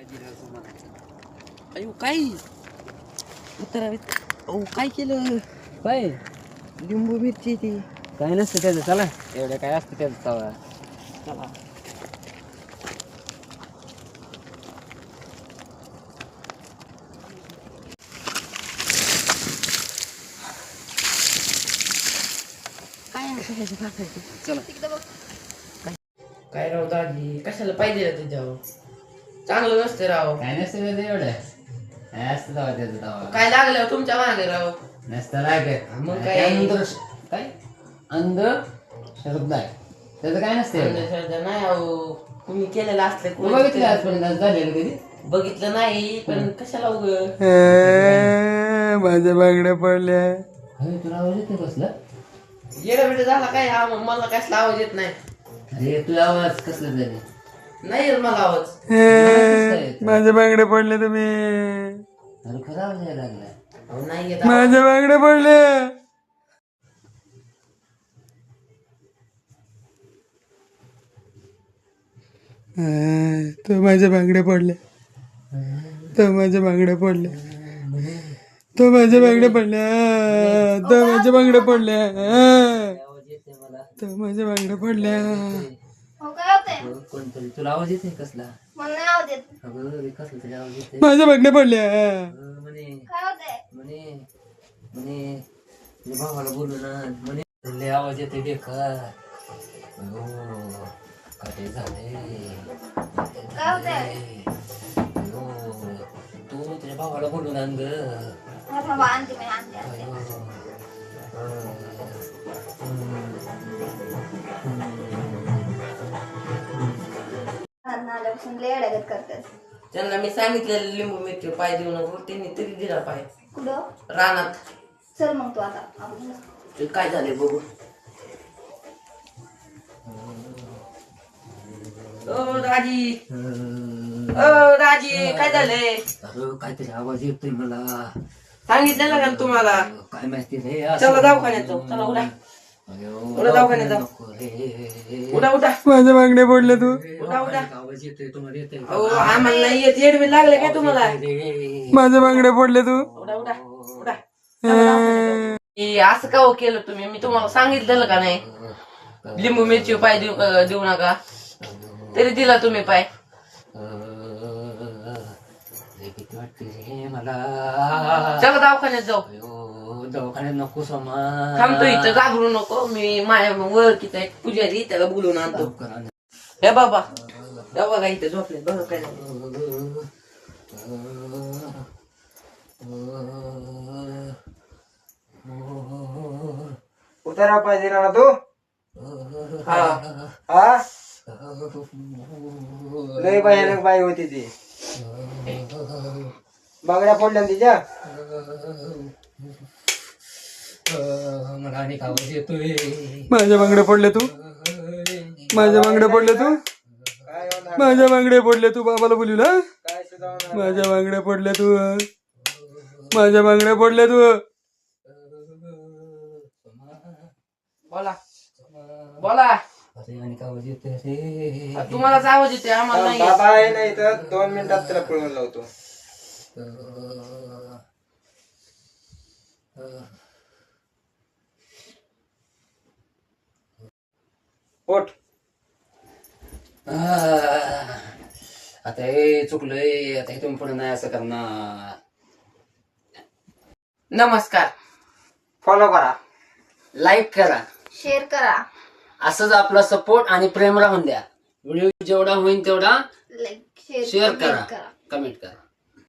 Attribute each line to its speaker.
Speaker 1: अयो काय अहो काय केलं
Speaker 2: काय
Speaker 1: लिंबू मिरची ती
Speaker 2: काय नसतं त्याचं. चला एवढं काय असतं त्याचं तवा.
Speaker 1: चला काय चला काय राव दादी कशाला पाहिजे तुझ्यावर चांगलं नसते राव.
Speaker 2: काय नसतं त्याचं एवढं. काय असतं तवा त्याचं तवा.
Speaker 1: काय लागलं तुमच्या मागे राव.
Speaker 2: नसतं लागत.
Speaker 1: मग काय
Speaker 2: काय अंध श्रद्धा आहे त्याचं. काय नसतं एवढं.
Speaker 1: अंधश्रद्धा नाही अहो तुम्ही केलेलं असलं
Speaker 2: तू बघितलं आजपर्यंत झालेलं कधी.
Speaker 1: बघितलं नाही पण कशाला उग
Speaker 3: माझ्या बांगड्या पडल्या.
Speaker 2: अरे तुला आवाज येते कसला.
Speaker 1: येडा बिडा झाला काय मला कसला आवाज येत नाही.
Speaker 2: अरे तुला आवाज कसला झाले.
Speaker 1: नाही येत मला आवाज.
Speaker 3: माझ्या बांगड्या पडल्या तुम्ही.
Speaker 2: अरे खरा आवाज यायला लागला.
Speaker 1: अहो, नाही येत आवाज.
Speaker 3: माझ्या बांगड्या पडल्या. तो माझ्या बांगड्या पडल्या. तो माझ्या बांगड्या पडल्या. तो माझ्या बांगड्या पडल्या. तो माझ्या बांगड्या पडल्या.
Speaker 2: आवाज येते मला.
Speaker 3: तो माझ्या बांगड्या पडल्या.
Speaker 2: कोणतरी तुला आवाज येते कसला. अगं रे, कसला तरी आवाज येते.
Speaker 3: माझ्या बांगड्या पडल्या.
Speaker 2: म्हणे म्हणे म्हणे तुझ्या भावाला बोलू ना म्हणे. लय आवाज येते बेकार. अयो काय झाले. अयो तू तुझ्या भावाला बोलून आण ग.
Speaker 1: त्यांना मी सांगितलेलं लिंबू मिरची पाय देऊ नको त्यांनी तरी दिला पाय
Speaker 4: कुठं
Speaker 1: रानात.
Speaker 4: चल मग तू आता
Speaker 1: ते काय झाले बघू. ओ राजी ओ राजी काय झालंय.
Speaker 2: अरे काहीतरी आवाज येतोय मला.
Speaker 1: सांगितलेलं का तुम्हाला.
Speaker 2: काय माहिती रे.
Speaker 1: चला दवाखान्यात जाऊ. चला उडा उडा दवाखान्यात जाऊ. उडा उडा
Speaker 3: माझ्या बांगड्या पडल्या. तू
Speaker 1: उडा उडा.
Speaker 2: आवाज येतोय तुम्हाला येतोय.
Speaker 1: अहो आम्हाला नाही येत. येडवे लागले काय तुम्हाला.
Speaker 3: माझ्या बांगड्या पडल्या. तू
Speaker 1: उडा उडा उडा. चला दवाखान्यात जाऊ. हे असं का हो केलं तुम्ही. मी तुम्हाला सांगितलेलं का नाही लिंबू मिरची पाय देऊ नका तरी दिला तुम्ही पाय.
Speaker 2: भीती वाटते रे मला.
Speaker 1: चला दवाखान्यात जाऊ.
Speaker 2: दवाखान्यात नको समा.
Speaker 1: थांबतो इथं घाबरू नको. मी माझ्या ओळखीचा एक पुजारी त्याला बोलून आणतो. हे बाबा हे बघा इथं झोपले बघा काय झालं.
Speaker 3: उतारा पाहिजे ना तू.
Speaker 1: हा
Speaker 3: हा लय भयानक बाई होती ती. बांगड्या पडल्या तिच्या.
Speaker 2: मला आणि आवाज येतोय.
Speaker 3: माझ्या बांगड्या पडल्या. तू माझ्या बांगड्या पडल्या. तू माझ्या बांगड्या पडल्या. तू बाबाला बोलू ना. माझ्या बांगड्या पडल्या. तू माझ्या बांगड्या पडल्या. तू
Speaker 1: बोला बोला.
Speaker 2: अरे आणि आवाज येतोय रे.
Speaker 1: तुम्हालाच आवाज येते आम्हाला नाही येत.
Speaker 3: बाबा आहे नाही तर 2 मिनिटात त्याला पळवून लावतो. पोट
Speaker 2: आता हे चुकलंय. आता हे तुम्ही पुढे नाही असं करणार.
Speaker 1: नमस्कार.
Speaker 3: फॉलो करा.
Speaker 2: लाईक करा.
Speaker 4: शेअर करा.
Speaker 2: असंच आपला सपोर्ट आणि प्रेम राहून द्या. व्हिडिओ जेवढा होईल तेवढा
Speaker 4: लाईक
Speaker 2: शेअर
Speaker 4: कमेंट
Speaker 2: करा. कमेंट करा.